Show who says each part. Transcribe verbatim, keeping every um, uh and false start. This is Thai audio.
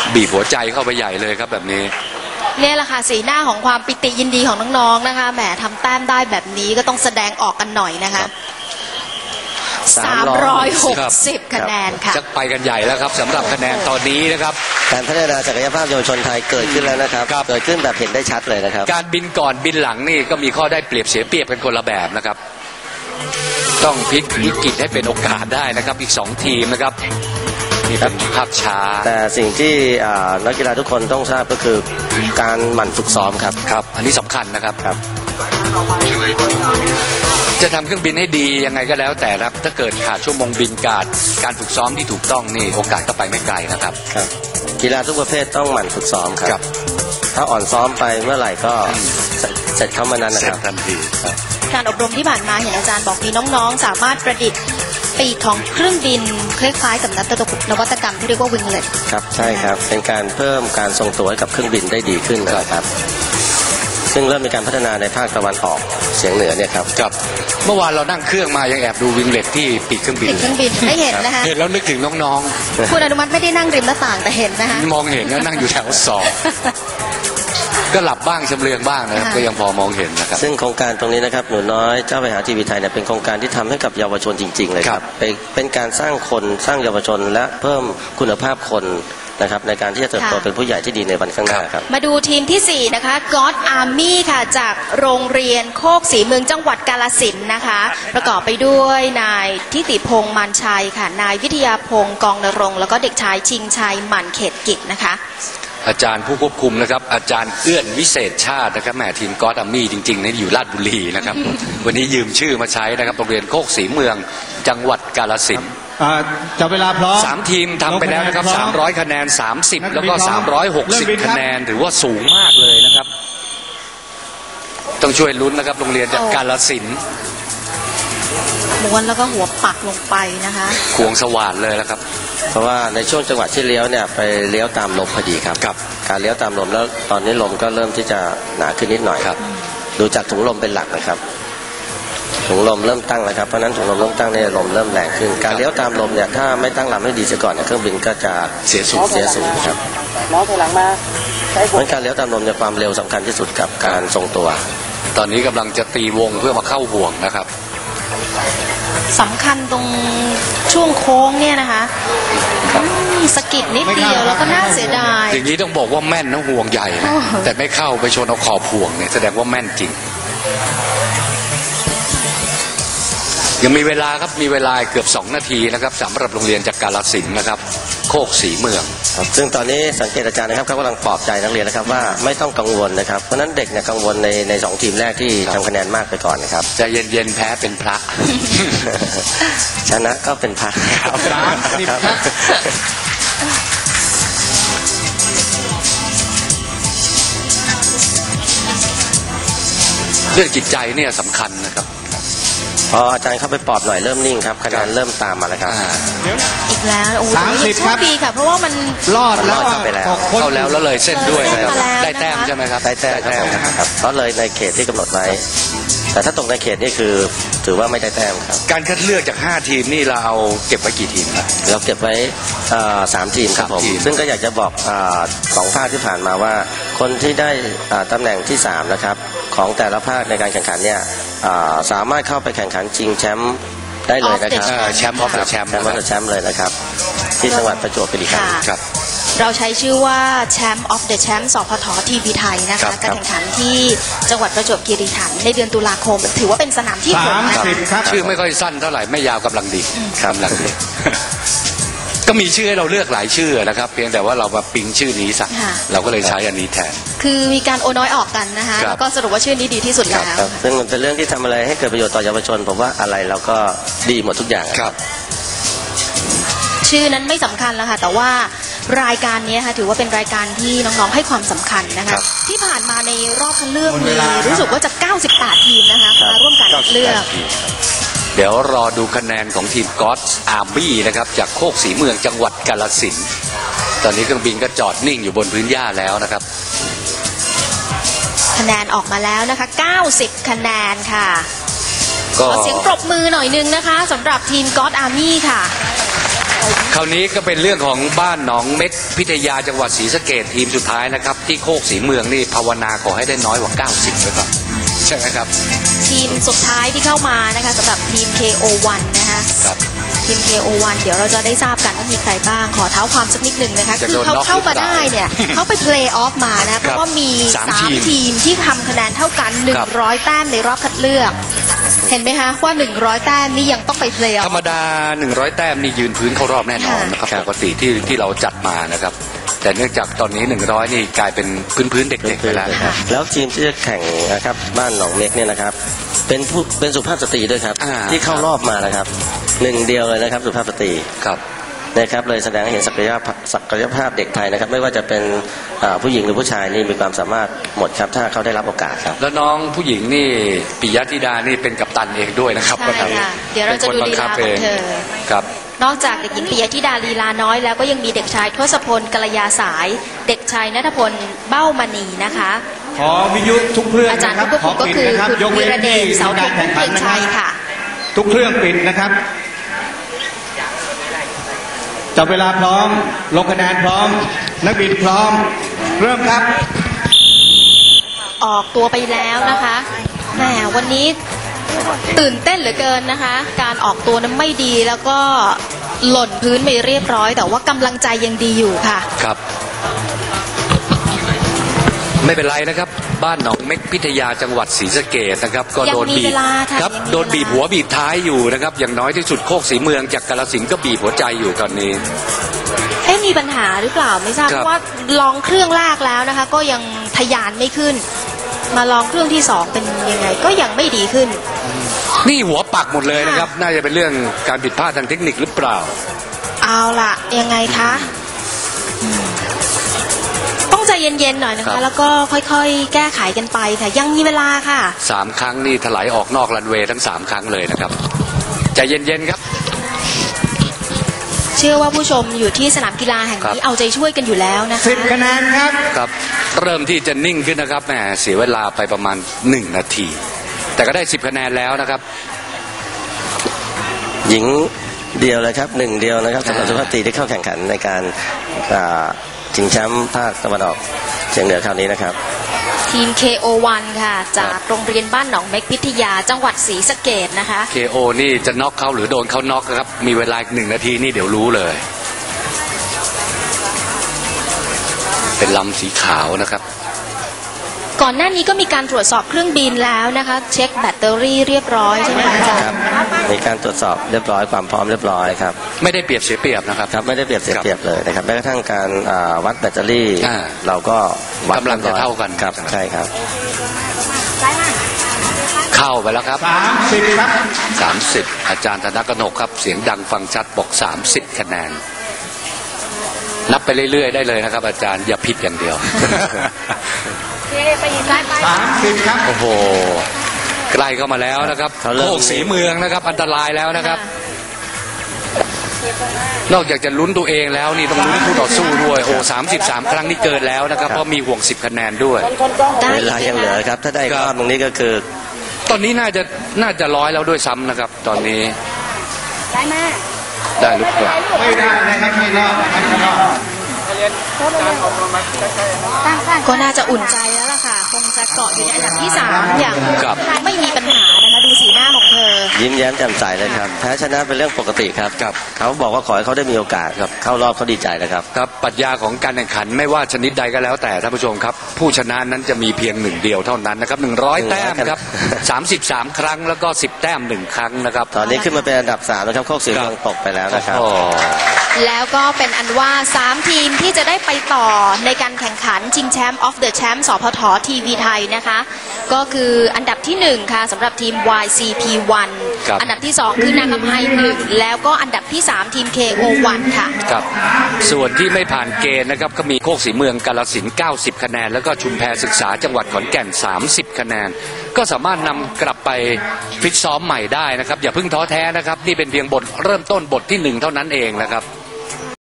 Speaker 1: บีบหัวใจเข้าไปใหญ่เลยครับแบบนี้
Speaker 2: เนี่ยแหละค่ะสีหน้าของความปิติยินดีของน้องๆนะคะแหมทำแต้มได้แบบนี้ก็ต้องแสดงออกกันหน่อยนะคะสามร้อยหกสิบคะแนนค่ะ
Speaker 1: จะไปกันใหญ่แล้วครับสำหรับคะแนนตอนนี้นะครับ
Speaker 3: การพัฒนาศักยภาพเยาวชนไทยเกิดขึ้นแล้วนะครับเกิดขึ้นแบบเห็นได้ชัดเลยนะครับ
Speaker 1: การบินก่อนบินหลังนี่ก็มีข้อได้เปรียบเสียเปรียบกันคนละแบบนะครับต้องพลิกวิกฤตให้เป็นโอกาสได้นะครับอีกสองทีมนะครับมีแบบภาพช้า
Speaker 3: แต่สิ่งที่นักกีฬาทุกคนต้องทราบก็คือการหมั่นฝึกซ้อมครับ
Speaker 1: ครับอันนี้สำคัญนะครับ
Speaker 3: ครับ
Speaker 1: จะทำเครื่องบินให้ดียังไงก็แล้วแต่ครับถ้าเกิดขาดชั่วโมงบินการการฝึกซ้อมที่ถูกต้องนี่โอกาสก็ไปไม่ไกลนะครับ
Speaker 3: ครับกีฬาทุกประเภทต้องหมั่นฝึกซ้อมครับถ้าอ่อนซ้อมไปเมื่อไหร่ก็เสร็จเข้ามานั้นนะครับ
Speaker 1: ทันที
Speaker 2: การอบรมที่ผ่านมาเห็นอาจารย์บอกมีน้องๆสามารถประดิษฐ์ปีกของเครื่องบินคล้ายๆกับนวัตกรรมที่เรียกว่าวิงเล็ต
Speaker 3: ครับใช่ครับเป็นการเพิ่มการทรงตัวให้กับเครื่องบินได้ดีขึ้นนะครับซึ่งเริ่มมีการพัฒนาในภาคตะวันออกเฉียงเหนือเนี่ยครับ
Speaker 1: ครับเมื่อวานเรานั่งเครื่องมายังแอบดูวิงเล็ตที่ปีกเครื่องบิน
Speaker 2: ปีกเครื่องบินได้เห็นนะคะ
Speaker 1: เห็นแล้วนึกถึงน้อง
Speaker 2: ๆคุณอนุมัติไม่ได้นั่งริมหน้าต่างแต่เห็นนะคะ
Speaker 1: มองเห็นแล้วนั่งอยู่แถวสองก็หลับบ้างชำเลืองบ้างนะครับก็ยังพอมองเห็นนะครับ
Speaker 3: ซึ่งโครงการตรงนี้นะครับหนูน้อยเจ้าไปหาทีวีไทยเนี่ยเป็นโครงการที่ทำให้กับเยาวชนจริงๆเลยครับเป็นการสร้างคนสร้างเยาวชนและเพิ่มคุณภาพคนนะครับในการที่จะเติบโตเป็นผู้ใหญ่ที่ดีในวันข้างหน้าครับ
Speaker 2: มาดูทีมที่สี่นะคะ God Army ค่ะจากโรงเรียนโคกศรีเมืองจังหวัดกาฬสินธุ์นะคะประกอบไปด้วยนายทิติพงษ์มันชัยค่ะนายวิทยาพงษ์กองนรงค์แล้วก็เด็กชายชิงชัยหมั่นเขตกิจนะคะ
Speaker 1: อาจารย์ผู้ควบคุมนะครับอาจารย์เอื้อนวิเศษชาตินะครับแหมทีม God Army จริงๆนี่อยู่ราชบุรีนะครับ วันนี้ยืมชื่อมาใช้นะครับโรงเรียนโคกศรีเมืองจังหวัดกาฬสินธุ์
Speaker 4: จับเวลาพร้อม
Speaker 1: สามทีมทำไปแล้วนะครับสามร้อยคะแนนสามสิบแล้วก็สามร้อยหกสิบคะแนนถือว่าสูงมากเลยนะครับต้องช่วยลุ้นนะครับโรงเรียนจากกาฬสินธุ์
Speaker 2: ม้วนแล้วก็หัวปักลงไปนะคะ
Speaker 1: ควงสว่านเลยแล้วครับ
Speaker 3: เพราะว่าในช่วงจังหวะที่เลี้ยวเนี่ยไปเลี้ยวตามลมพอดีครับ
Speaker 1: กับ
Speaker 3: การเลี้ยวตามลมแล้วตอนนี้ลมก็เริ่มที่จะหนาขึ้นนิดหน่อยครับดูจากถุงลมเป็นหลักนะครับถุงลมเริ่มตั้งแล้วครับเพราะนั้นถุงลมเริ่มตั้งเนี่ยลมเริ่มแรงขึ้นการเลี้ยวตามลมเนี่ยถ้าไม่ตั้งลำให้ดีเสียก่อนเนี่ยเครื่องบินก็จะ
Speaker 1: เสียสูง
Speaker 3: เสียสูงครับ
Speaker 4: น้องถอยหลังมา
Speaker 3: เพราะการเลี้ยวตามลมเนี่ยความเร็วสำคัญที่สุดกับการทรงตัว
Speaker 1: ตอนนี้กำลังจะตีวงเพื่อมาเข้าห่วงนะครับ
Speaker 2: สำคัญตรงช่วงโค้งเนี่ยนะคะสะกิดนิดเดียวแล้วก็น่าเสียดาย
Speaker 1: อย่างนี้ต้องบอกว่าแม่นนะห่วงใหญ่นะแต่ไม่เข้าไปชนเอาขอบห่วงเนี่ยแสดงว่าแม่นจริงยังมีเวลาครับมีเวลาเกือบสองนาทีนะครับสำหรับโรงเรียนจากกาฬสินธุ์นะครับโคกศรีเมือง
Speaker 3: ซึ่งตอนนี้สังเกตอาจารย์นะครับเขากำลังปลอบใจนักเรียนนะครับว่าไม่ต้องกังวลนะครับเพราะนั้นเด็กเนี่ยกังวลในในสองทีมแรกที่ทำคะแนนมากไปก่อนนะครับ
Speaker 1: จะเย็นเย็นแพ้เป็นพระ
Speaker 3: ชนะก็เป็นพระ
Speaker 1: เรื่องจิตใจเนี่ยสำคัญนะครับ
Speaker 3: พออาจารย์เข้าไปปลอบหน่อยเริ่มนิ่งครับคะแนนเริ่มตามมาแล้วครับ
Speaker 2: อีกแล้วโอ้โหโชคดีค่ะเพราะว่ามัน
Speaker 4: รอดแล้ว
Speaker 3: ไปแล้ว
Speaker 1: เข้าแล้วแล้วเลยเส้นด้วยได้แต้มใช่ไหมครับ
Speaker 3: ได้แต้มครับเพราะเลยในเขตที่กำหนดไว้แต่ถ้าตกในเขตนี่คือถือว่าไม่ได้แต้มครับ
Speaker 1: การคัดเลือกจากห้าทีมนี่เราเอาเก็บไว้กี่ทีมครับ
Speaker 3: เราเก็บไว้สามทีมครับผมซึ่งก็อยากจะบอกสองภาคที่ผ่านมาว่าคนที่ได้ตำแหน่งที่สามนะครับของแต่ละภาคในการแข่งขันเนี่ยสามารถเข้าไปแข่งขันชิงแชมป์ได้เลยนะครับ
Speaker 1: แชมป์ออฟเดอะแชมป์
Speaker 3: แชมป์ออฟเดอะแชมป์เลยนะครับที่จังหวัดประจวบคีรีขันธ์
Speaker 1: ครับ
Speaker 2: เราใช้ชื่อว่าแชมป์ออฟเดอะแชมป์สพททีวีไทยนะคะการแข่งขันที่จังหวัดประจวบคีรีขันธ์ในเดือนตุลาคมถือว่าเป็นสนามที่หก
Speaker 1: นะคะชื่อไม่ค่อยสั้นเท่าไหร่ไม่ยาวกำลังดีกำลังดีก็มีชื่อให้เราเลือกหลายชื่อนะครับเพียงแต่ว่าเรามาปิ๊งชื่อนี้สักเราก็เลยใช้อันนี้แทน
Speaker 2: คือมีการโอน้อยออกกันนะคะแล้วก็สรุปว่าชื่อนี้ดีที่สุดแล้ว
Speaker 3: ซึ่งมันเป็นเรื่องที่ทำอะไรให้เกิดประโยชน์ต่อเยาวชนผมว่าอะไรเราก็ดีหมดทุกอย่าง
Speaker 1: ครับ
Speaker 2: ชื่อนั้นไม่สำคัญแล้วค่ะแต่ว่ารายการนี้ค่ะถือว่าเป็นรายการที่น้องๆให้ความสำคัญนะคะที่ผ่านมาในรอบคัดเลือกมีรู้สึกว่าจะเก้าสิบแปดทีมนะคะมาร่วมการคัดเลือก
Speaker 1: เดี๋ยวรอดูคะแนนของทีม God Army นะครับจากโคกศรีเมืองจังหวัดกาฬสินธุ์ตอนนี้เครื่องบินก็จอดนิ่งอยู่บนพื้นหญ้าแล้วนะครับ
Speaker 2: คะแนนออกมาแล้วนะคะเก้าสิบคะแนนค่ะขอเสียงปรบมือหน่อยนึงนะคะสำหรับทีม God Army ค่ะ
Speaker 1: คราวนี้ก็เป็นเรื่องของบ้านหนองเม็กพิทยาจังหวัดศรีสะเกษทีมสุดท้ายนะครับที่โคกศรีเมืองนี่ภาวนาขอให้ได้น้อยกว่าเก้าสิบเลยครับใช่ไหมครับ
Speaker 2: ทีมสุดท้ายที่เข้ามานะคะสำหรับทีม เค โอ วัน นะคะ
Speaker 1: ครับ
Speaker 2: ทีม เค โอ วัน เดี๋ยวเราจะได้ทราบกันว่ามีใครบ้างขอเท้าความสักนิดหนึ่งนะคะคือเขาเข้ามาได้เนี่ยเขาไปเพลย์ออฟมานะเพราะว่ามีสามทีมที่ทำคะแนนเท่ากันหนึ่งร้อยแต้มในรอบคัดเลือกเห็นไหมคะว่าหนึ่งร้อยแต้มนี่ยังต้องไปเพลย์ออฟ
Speaker 1: ธรรมดาหนึ่งร้อยแต้มนี่ยืนพื้นเข้ารอบแน่นอนนะครับปกติที่ที่เราจัดมานะครับแต่เนื่องจากตอนนี้หนึ่งร้อยนี่กลายเป็นพื้นพื้นเด็กๆไปแล้ว
Speaker 3: แล้วทีมที่จะแข่งนะครับบ้านหนองเม็กเนี่ยนะครับเป็นผู้เป็นสุภาพสตรีด้วยครับที่เข้ารอบมานะครับหนึ่งเดียวเลยนะครับสุภาพสตรี
Speaker 1: ครับ
Speaker 3: นะครับเลยแสดงให้เห็นศักยภาพศักยภาพเด็กไทยนะครับไม่ว่าจะเป็นผู้หญิงหรือผู้ชายนี่มีความสามารถหมดครับถ้าเขาได้รับโอกาสครับ
Speaker 1: แล้วน้องผู้หญิงนี่ปิยธิดานี่เป็นกัปตันเองด้วยนะครับ
Speaker 2: ใช่ค่ะเดี๋ยวเราจะดูลีลาของเธอ
Speaker 1: ครับ
Speaker 2: นอกจากเด็กหญิงปิยธิดาลีลาน้อยแล้วก็ยังมีเด็กชายทศพลกัลยาสายเด็กชายณัฐพลเบ้ามณีนะคะ
Speaker 4: ขอวิทยุทุกเครื่อง
Speaker 2: อาจารย์ผู้ควบคุมก็คือคุณวีระเดชเสาธงเพียงชัยค่ะ
Speaker 4: ทุกเครื่องปิดนะครับจับเวลาพร้อมลงคะแนนพร้อมนักบินพร้อมเริ่มครับ
Speaker 2: ออกตัวไปแล้วนะคะแหมวันนี้ตื่นเต้นเหลือเกินนะคะการออกตัวนั้นไม่ดีแล้วก็หล่นพื้นไปเรียบร้อยแต่ว่ากำลังใจยังดีอยู่ค่ะ
Speaker 1: ครับไม่เป็นไรนะครับบ้านหนองเม็กพิทยาจังหวัดศรีสะเกษนะครับก็โดนบีบครับโดนบีบหัวบีบท้ายอยู่นะครับอย่างน้อยที่สุดโคกศรีเมืองจากกาฬสินธุ์ก็บีบหัวใจอยู่ตอนนี้
Speaker 2: เอ๊ะมีปัญหาหรือเปล่าไม่ทราบเพราะว่าลองเครื่องแรกแล้วนะคะก็ยังทะยานไม่ขึ้นมาลองเครื่องที่สองเป็นยังไงก็ยังไม่ดีขึ้น
Speaker 1: นี่หัวปักหมดเลยนะครับน่าจะเป็นเรื่องการผิดพลาดทางเทคนิคหรือเปล่า
Speaker 2: เอาล่ะยังไงคะต้องใจเย็นๆหน่อยนะคะแล้วก็ค่อยๆแก้ไขกันไปค่ะยังมีเวลาค่ะ
Speaker 1: สามครั้งนี่ถลายออกนอกรันเวย์ทั้งสามครั้งเลยนะครับใจเย็นๆครับ
Speaker 2: เชื่อว่าผู้ชมอยู่ที่สนามกีฬาแห่งนี้เอาใจช่วยกันอยู่แล้วนะคะ
Speaker 4: สิบคะแนนครับ
Speaker 1: ครับเริ่มที่จะนิ่งขึ้นนะครับแหมเสียเวลาไปประมาณหนึ่งนาทีแต่ก็ได้สิบคะแนนแล้วนะครับ
Speaker 3: หญิงเดียวเลยครับหนึ่งเดียวนะครับสำหรับสุภาพสตรีที่เข้าแข่งขันในการชิงแชมป์ภาคตะวันออกเฉียงเหนือคราวนี้นะครับ
Speaker 2: ทีม เค โอ วัน ค่ะจากโรงเรียนบ้านหนองเม็กพิทยาจังหวัดศรีสะเกษนะคะ
Speaker 1: เค โอ นี่จะน็อกเขาหรือโดนเขาน็อกครับมีเวลาหนึ่งนาทีนี่เดี๋ยวรู้เลยเป็นลำสีขาวนะครับ
Speaker 2: ก่อนหน้านี้ก็มีการตรวจสอบเครื่องบินแล้วนะคะเช็คแบตเตอรี่เรียบร้อยใช่ไหมคะอาจารย์
Speaker 3: มีการตรวจสอบเรียบร้อยความพร้อมเรียบร้อยครับ
Speaker 1: ไม่ได้เปรียบเสียเปรียบนะครับ
Speaker 3: ครับไม่ได้เปรียบเสียเปรียบเลยนะครับแม้กระทั่งการวัดแบตเตอรี่เราก็วัด
Speaker 1: กำลังจะเท่ากัน
Speaker 3: ครับใช่ครับ
Speaker 1: เข้าไปแล้วครับ
Speaker 4: สามสิบครับ
Speaker 1: สามสิบอาจารย์ธนกนกครับเสียงดังฟังชัดบอกสามสิบคะแนนนับไปเรื่อยๆได้เลยนะครับอาจารย์อย่าผิดอย่างเดียว
Speaker 4: สามสิบครับ
Speaker 1: โอ้โหใกล้เข้ามาแล้วนะครับโคกศรีเมืองนะครับอันตรายแล้วนะครับนอกจากจะลุ้นตัวเองแล้วนี่ต้องลุ้นคู่ต่อสู้ด้วยโอ้สามสิบสามครั้งนี่เกินแล้วนะครับเพราะมีห่วงสิบคะแนนด้วย
Speaker 3: เวลายังเหลือครับถ้าได้รอบตรงนี้ก็คือ
Speaker 1: ตอนนี้น่าจะน่าจะร้อยแล้วด้วยซ้ำนะครับตอนนี้
Speaker 2: ได้ไหม
Speaker 1: ได้หรือเปล่า
Speaker 4: ไม่ได้นะครับไม่รอดไม่รอด
Speaker 2: ก็น่าจะอุ่นใจแล้วล่ะค่ะคงจะเกาะอยู่ในอันดับที่สามอย่างไม่มีปัญหานะคะดูสีหน้าของเธอ
Speaker 3: ยิ้มแย้มแจ่มใสเลยครับแพ้ชนะเป็นเรื่องปกติครับครับเขาบอกว่าขอให้เขาได้มีโอกาสครับเข้ารอบเขาดีใจนะครับ
Speaker 1: ครับปรัชญาของการแข่งขันไม่ว่าชนิดใดก็แล้วแต่ท่านผู้ชมครับผู้ชนะนั้นจะมีเพียงหนึ่งเดียวเท่านั้นนะครับหนึ่งร้อยแต้มครับสามสิบสามครั้งแล้วก็สิบแต้มหนึ่งครั้งนะครับ
Speaker 3: ตอนนี้ขึ้นมาเป็นอันดับสามแล้วครับโคกศรีเมืองตกไปแล้วนะครับ
Speaker 2: แล้วก็เป็นอันว่าสามทีมที่จะได้ไปต่อในการแข่งขันชิงแชมป์ออฟเดอะแชมป์สพททีวีไทยนะคะก็คืออันดับที่หนึ่งค่ะสำหรับทีม วาย ซี พี วัน อันดับที่สองคือนางคำไฮหนึ่งแล้วก็อันดับที่สามทีม เค โอ วัน ค่ะ
Speaker 1: ครับส่วนที่ไม่ผ่านเกณฑ์นะครับก็มีโคกศรีเมืองกาฬสินธุ์เก้าสิบคะแนนแล้วก็ชุมแพศึกษาจังหวัดขอนแก่นสามสิบคะแนนก็สามารถนำกลับไปฟิตซ้อมใหม่ได้นะครับอย่าเพิ่งท้อแท้นะครับนี่เป็นเพียงบทเริ่มต้นบทที่หนึ่งเท่านั้นเองนะครับ